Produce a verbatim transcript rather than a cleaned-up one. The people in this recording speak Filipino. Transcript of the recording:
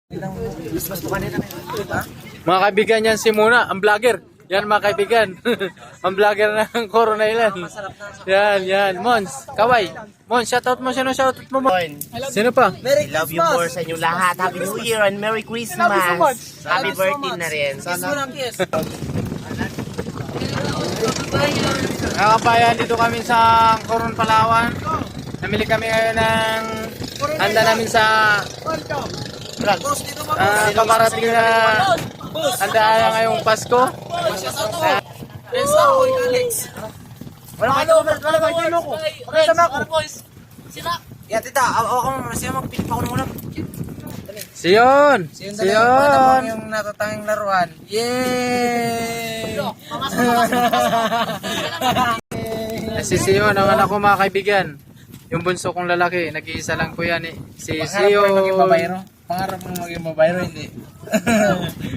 Mga kaibigan, yan si Muna, ang vlogger. Yan mga kaibigan. Ang vlogger ng Corona Island. Yan, yan. Mons, Kaway. Mons, shoutout mo. Sino shoutout mo? Sino pa? I love you more sa inyo lahat. Happy New Year and Merry Christmas. Happy birthday na rin. Mga kabayan, dito kami sa Coron, Palawan. Namili kami ngayon ng handa namin sa uh, paparating na handa ngayong Pasko. Wala ka ito, wala ka ito ako. Wala ka ako. Ya tita, ako masaya magpili pa ako ng ulam. Siyon! Siyon! Yung natatanging laruan. Yay! Si Siyon, ang anak ko mga kaibigan. Yung bunso kong lalaki, nag-iisa lang po yan eh. Si Pangarap mo maging Siyon. babayro? Pangarap mo maging babayro, hindi?